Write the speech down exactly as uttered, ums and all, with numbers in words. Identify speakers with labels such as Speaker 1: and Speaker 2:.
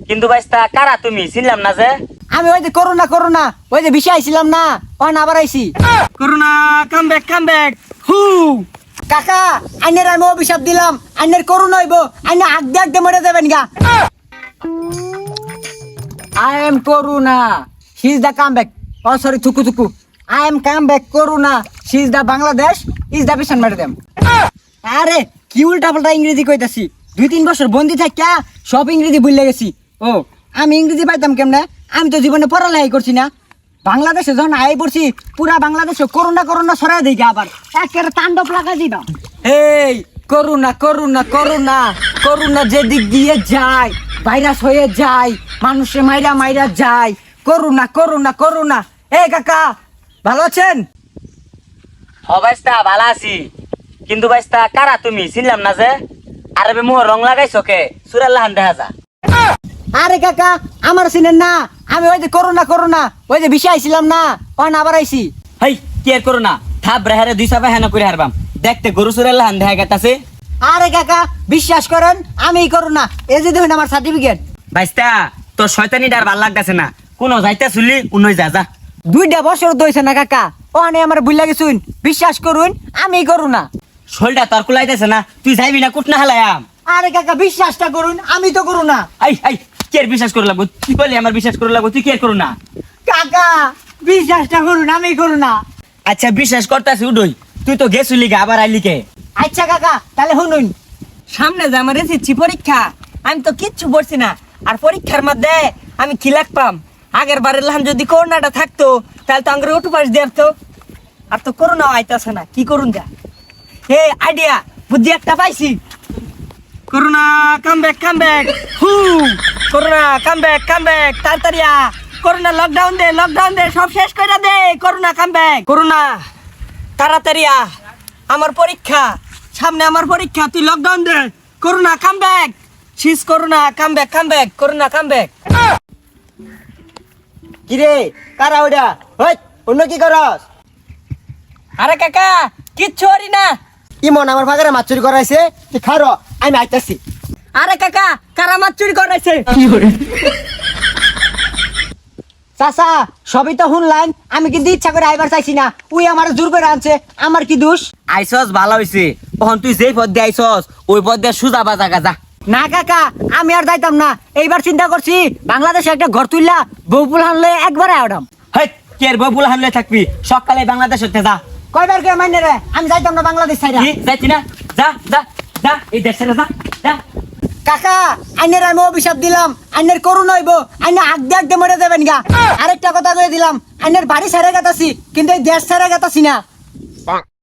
Speaker 1: কিন্তু বাইস্তা কারা তুমি চিনলাম না যে।
Speaker 2: আমি ওই যে করোনা করোনা ওই যে বিষয় আইছিলাম না ওখানে আবার আইছি।
Speaker 1: Corona come back come back হু।
Speaker 2: কাকা আইনের আমি অভিশাপ দিলাম, আইনের করোনা হইব, আইনে আগ দিয়ে আগ দিয়ে মরে যাবেন গা। I am Corona. She is the comeback. Oh sorry, থুকু থুকু. I am comeback Corona. She is the Bangladesh. Is the Bishan madam. আরে কি উল্টা পাল্টা ইংরেজি কইতাছি। দুই তিন বছর বন্দি থাকা সব ইংরেজি ভুলে গেছি। ও আমি ইংরেজি পাইতাম কেমনে? আমি তো জীবনে পড়ালেখাই করছি না। বাংলাদেশে যখন আই পড়ছি পুরা বাংলাদেশে করোনা করোনা ছড়াই দিই আবার একেবারে তাণ্ডব লাগা দিবা। এই করোনা করোনা করোনা করোনা যেদিক দিয়ে যায় ভাইরাস হয়ে যায়, মানুষে মাইরা মাইরা যায়। Corona corona corona. এ কাকা ভালো আছেন?
Speaker 1: হ বাইস্তা ভালো আছি, কিন্তু বাইস্তা কারা তুমি চিনলাম না যে। আরে বে মোহ রং লাগাইছো কে সুরাল্লাহান দেখা যা।
Speaker 2: আরে কাকা আমার চিনেন না, আমি ওই যে করোনা করোনা ওই যে বিষয় আইছিলাম না ওখানে আবার আইছি।
Speaker 1: হেই কি আর করোনা থাপ রেহারে দুই সাপে হেনা করে হারবাম দেখতে গরু সুরাল্লাহান দেখা গেতাছে।
Speaker 2: আরে কাকা বিশ্বাস করেন আমি করোনা, এই যে দেখুন আমার সার্টিফিকেট।
Speaker 1: বাইস্তা তোর শয়তানি ডার ভাল লাগতেছে না, কোন যাইতে শুনলি উন্নই যা যা।
Speaker 2: দুইটা বছর দইছে না কাকা, ওখানে আমার ভুল লাগেছুন, বিশ্বাস করুন আমি করোনা।
Speaker 1: শোলটা তোর কুলাইতেছে না, তুই যাইবি না কুটনা হালায়াম।
Speaker 2: আরে কাকা বিশ্বাসটা করুন আমি তো করোনা।
Speaker 1: আই আই কে আর বিশ্বাস করে লাগবো, তুই বলি আমার বিশ্বাস করে লাগবো, তুই কি আর করো না।
Speaker 2: কাকা বিশ্বাসটা করুন আমি করোনা।
Speaker 1: আচ্ছা বিশ্বাস করতেছি উডই, তুই তো গেছিলি গা আবার আইলি কে।
Speaker 2: আচ্ছা কাকা তাহলে শুনুন, সামনে যে আমার এসেছি পরীক্ষা, আমি তো কিচ্ছু পড়ছি না, আর পরীক্ষার মধ্যে আমি কি লাগপাম। আগের বারের লাহান যদি করোনাটা থাকতো তাহলে তো আঙ্গুর ওটু পাশ দিয়ে আসতো, আর তো করোনা আইতাছে না, কি করুন যা। হে আইডিয়া বুদ্ধি একটা পাইছি।
Speaker 1: Corona come back come back হু।
Speaker 2: Corona come back come back তাড়াতাড়ি আ। করোনা লকডাউন দে লকডাউন দে সব শেষ করে দে। Corona come back. করোনা তাড়াতাড়ি আ, আমার পরীক্ষা সামনে, আমার পরীক্ষা, তুই লকডাউন দে। Corona come back. শিস corona come back come back corona come back. কি রে কারা ওটা? ওই অন্য কি করস? আরে কাকা কিচ্ছু হরি না। ইমন আমার ভাগারে মাছ চুরি করাইছে, তুই খারো আমি আইতাছি। আরে কাকা কারা মাছ চুরি করাইছে? চাচা সবই তো শুনলাম, আমি কিন্তু ইচ্ছা করে আইবার চাইছি না, উই আমার জোর করে আনছে, আমার কি দোষ?
Speaker 1: আইসস ভালো হইছে, তখন তুই যেই পথ দিয়ে আইসস ওই পথ দিয়ে সুজা বাজা গাজা।
Speaker 2: না কাকা আমি আর যাইতাম না, এইবার চিন্তা করছি বাংলাদেশে একটা ঘর তুললা বউপুল হানলে একবারে আওড়াম।
Speaker 1: হেই কে আর ববুল হামলে থাকবি, সকালে বাংলাদেশ হতে যা।
Speaker 2: কয়বার কে মাইনে রে, আমি যাইতাম না বাংলাদেশ ছাইরা।
Speaker 1: কি যাইতি না, যা যা যা এই দেশ ছেড়ে যা যা।
Speaker 2: কাকা আইনের আমি অভিশাপ দিলাম, আইনের করুন হইব, আইনে আগ দিয়ে আগ দিয়ে মরে যাবেন গা। আরেকটা কথা কয়ে দিলাম, আইনের বাড়ি ছেড়ে গেতাছি কিন্তু এই দেশ ছেড়ে গেতাছি না।